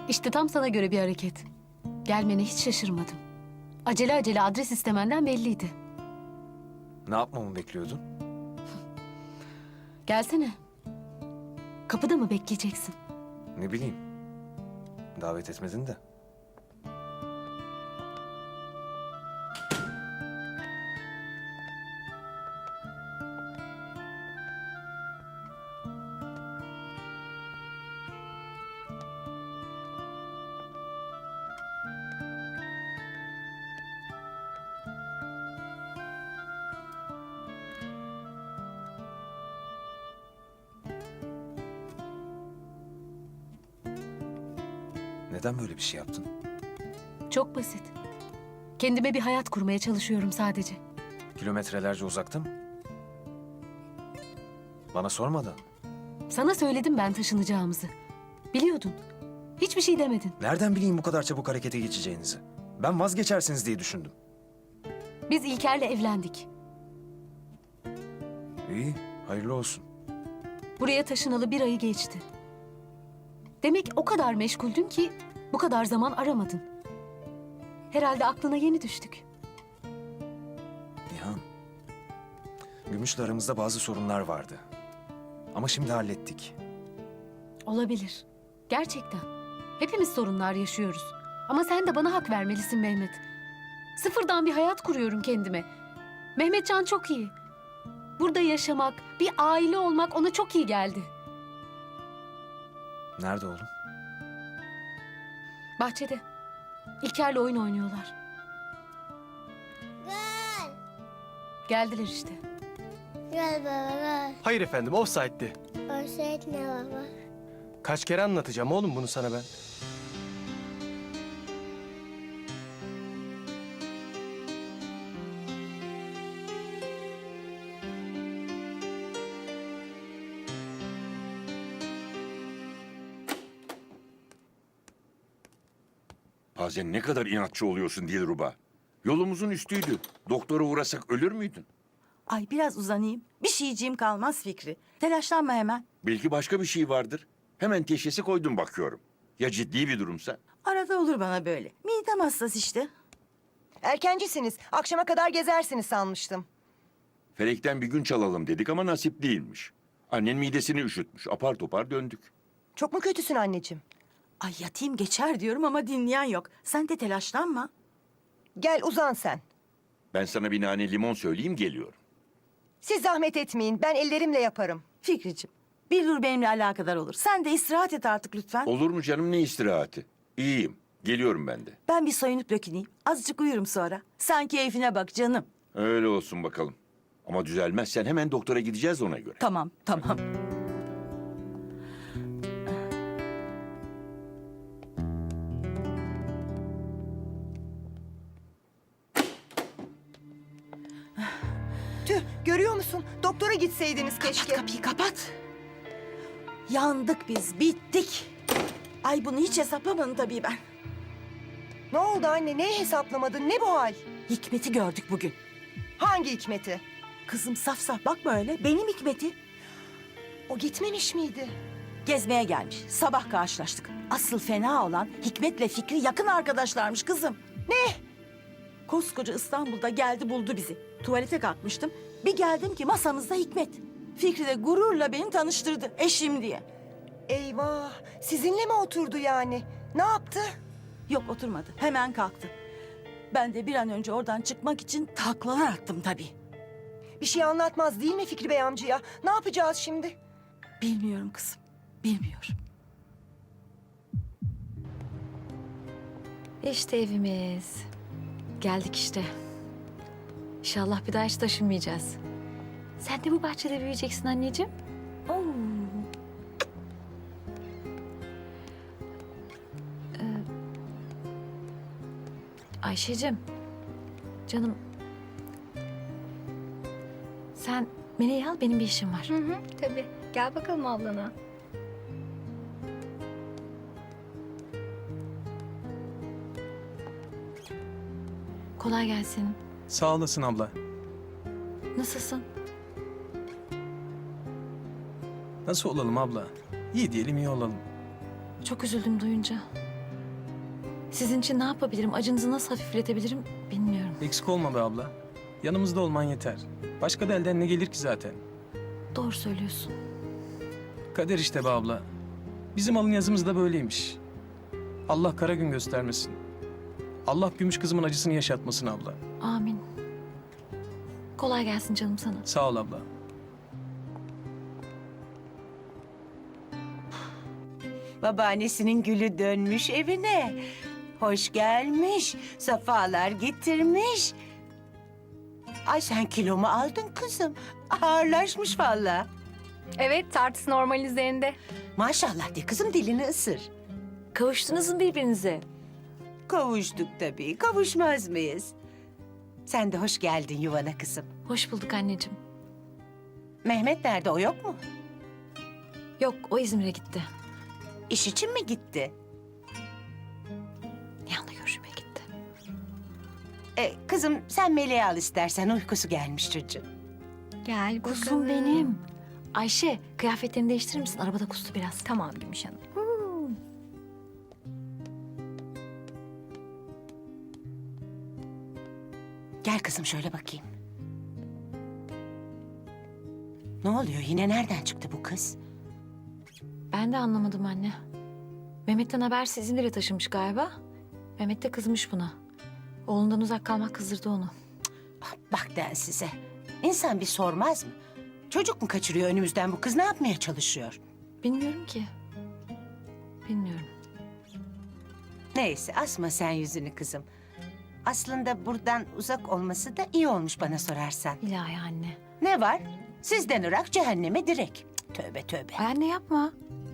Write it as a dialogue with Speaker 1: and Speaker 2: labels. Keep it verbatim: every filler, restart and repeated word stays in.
Speaker 1: İşte tam sana göre bir hareket. Gelmene hiç şaşırmadım. Acele acele adres istemenden belliydi.
Speaker 2: Ne yapmamı bekliyordun?
Speaker 1: Gelsene. Kapıda mı bekleyeceksin?
Speaker 2: Ne bileyim. Davet etmedin de. Neden böyle bir şey yaptın?
Speaker 1: Çok basit. Kendime bir hayat kurmaya çalışıyorum sadece.
Speaker 2: Kilometrelerce uzakta mı? Bana sormadan.
Speaker 1: Sana söyledim ben taşınacağımızı. Biliyordun. Hiçbir şey demedin.
Speaker 2: Nereden bileyim bu kadar çabuk harekete geçeceğinizi? Ben vazgeçersiniz diye düşündüm.
Speaker 1: Biz İlker'le evlendik.
Speaker 2: İyi, hayırlı olsun.
Speaker 1: Buraya taşınalı bir ayı geçti. Demek o kadar meşguldün ki bu kadar zaman aramadın. Herhalde aklına yeni düştük.
Speaker 2: Nihan, Gümüş'le aramızda bazı sorunlar vardı. Ama şimdi hallettik.
Speaker 1: Olabilir. Gerçekten. Hepimiz sorunlar yaşıyoruz. Ama sen de bana hak vermelisin Mehmet. Sıfırdan bir hayat kuruyorum kendime. Mehmetcan çok iyi. Burada yaşamak, bir aile olmak ona çok iyi geldi.
Speaker 2: Nerede oğlum?
Speaker 1: Bahçede. İlker'le oyun oynuyorlar.
Speaker 3: Gel.
Speaker 1: Geldiler işte.
Speaker 3: Gel baba gel.
Speaker 4: Hayır efendim, offside'di.
Speaker 3: Offside ne baba?
Speaker 4: Kaç kere anlatacağım oğlum bunu sana ben?
Speaker 5: Bazen ne kadar inatçı oluyorsun Dilruba. Yolumuzun üstüydü. Doktora uğrasak ölür müydün?
Speaker 6: Ay biraz uzanayım. Bir şeyciğim kalmaz Fikri. Telaşlanma hemen.
Speaker 5: Belki başka bir şey vardır. Hemen teşhisi koydum bakıyorum. Ya ciddi bir durumsa?
Speaker 6: Arada olur bana böyle. Midem hassas işte.
Speaker 7: Erkencisiniz. Akşama kadar gezersiniz sanmıştım.
Speaker 5: Felekten bir gün çalalım dedik ama nasip değilmiş. Annen midesini üşütmüş. Apar topar döndük.
Speaker 7: Çok mu kötüsün anneciğim?
Speaker 6: Ay yatayım geçer diyorum ama dinleyen yok. Sen de telaşlanma.
Speaker 7: Gel uzan sen.
Speaker 5: Ben sana bir nane limon söyleyeyim geliyorum.
Speaker 7: Siz zahmet etmeyin. Ben ellerimle yaparım.
Speaker 6: Fikriciğim, bir dur benimle alakadar olur. Sen de istirahat et artık lütfen.
Speaker 5: Olur mu canım ne istirahati? İyiyim. Geliyorum ben de.
Speaker 6: Ben bir soyunup döküneyim. Azıcık uyurum sonra. Sen keyfine bak canım.
Speaker 5: Öyle olsun bakalım. Ama düzelmezsen hemen doktora gideceğiz ona göre.
Speaker 6: Tamam, tamam.
Speaker 7: Tüh, görüyor musun? Doktora gitseydiniz keşke.
Speaker 6: Kapat kapıyı, kapat. Yandık biz, bittik. Ay bunu hiç hesaplamadım tabii ben.
Speaker 7: Ne oldu anne? Neyi hesaplamadın? Ne bu hal?
Speaker 6: Hikmet'i gördük bugün.
Speaker 7: Hangi Hikmet'i?
Speaker 6: Kızım saf saf bakma öyle. Benim Hikmet'i.
Speaker 7: O gitmemiş miydi?
Speaker 6: Gezmeye gelmiş. Sabah karşılaştık. Asıl fena olan Hikmet'le Fikri yakın arkadaşlarmış kızım.
Speaker 7: Ne?
Speaker 6: Koskoca İstanbul'da geldi buldu bizi. Tuvalete kalkmıştım. Bir geldim ki masamızda Hikmet. Fikri de gururla beni tanıştırdı eşim diye.
Speaker 7: Eyvah. Sizinle mi oturdu yani? Ne yaptı?
Speaker 6: Yok oturmadı. Hemen kalktı. Ben de bir an önce oradan çıkmak için taklalar attım tabii.
Speaker 7: Bir şey anlatmaz değil mi Fikri Bey amcaya? Ne yapacağız şimdi?
Speaker 6: Bilmiyorum kızım. Bilmiyorum.
Speaker 8: İşte evimiz. Geldik işte. İnşallah bir daha hiç taşınmayacağız. Sen de bu bahçede büyüyeceksin anneciğim. Oo. Ee, Ayşe'cim, canım. Sen Meleği al, benim bir işim var.
Speaker 9: Hı hı, tabii. Gel bakalım ablana.
Speaker 8: Kolay gelsin.
Speaker 4: Sağ olasın abla.
Speaker 8: Nasılsın?
Speaker 4: Nasıl olalım abla? İyi diyelim iyi olalım.
Speaker 8: Çok üzüldüm duyunca. Sizin için ne yapabilirim, acınızı nasıl hafifletebilirim bilmiyorum.
Speaker 4: Eksik olma be abla. Yanımızda olman yeter. Başka da elden ne gelir ki zaten?
Speaker 8: Doğru söylüyorsun.
Speaker 4: Kader işte be abla. Bizim alın yazımız da böyleymiş. Allah kara gün göstermesin. Allah gümüş kızımın acısını yaşatmasın abla.
Speaker 8: Amin. Kolay gelsin canım sana.
Speaker 4: Sağ ol abla.
Speaker 7: Babaannesinin gülü dönmüş evine. Hoş gelmiş, safalar getirmiş. Ay sen kilo mu aldın kızım? Ağırlaşmış vallahi.
Speaker 9: Evet, tartısı normal üzerinde.
Speaker 7: Maşallah de kızım, dilini ısır.
Speaker 8: Kavuştunuz mu birbirinize?
Speaker 7: Kavuştuk tabii, kavuşmaz mıyız? Sen de hoş geldin yuvana kızım.
Speaker 8: Hoş bulduk anneciğim.
Speaker 7: Mehmet nerede, o yok mu?
Speaker 8: Yok, o İzmir'e gitti.
Speaker 7: İş için mi gitti?
Speaker 8: Nihan'la görüşmeye gitti.
Speaker 7: E, kızım sen Meleği al istersen, uykusu gelmiş çocuğun.
Speaker 9: Gel bakalım.
Speaker 8: Kuzum benim. Ayşe, kıyafetlerini değiştirir misin? Arabada kustu biraz.
Speaker 9: Tamam Gümüş Hanım.
Speaker 7: Gel kızım şöyle bakayım. Ne oluyor yine, nereden çıktı bu kız?
Speaker 8: Ben de anlamadım anne. Mehmet'ten habersiz İzmir'e taşınmış galiba. Mehmet de kızmış buna. Oğlundan uzak kalmak kızdırdı onu.
Speaker 7: Ah, bak den size. İnsan bir sormaz mı? Çocuk mu kaçırıyor önümüzden bu kız, ne yapmaya çalışıyor?
Speaker 8: Bilmiyorum ki. Bilmiyorum.
Speaker 7: Neyse asma sen yüzünü kızım. Aslında buradan uzak olması da iyi olmuş bana sorarsan.
Speaker 8: İlahi anne.
Speaker 7: Ne var? Sizden Irak, cehenneme direk. Cık, tövbe tövbe.
Speaker 8: Ay anne yapma.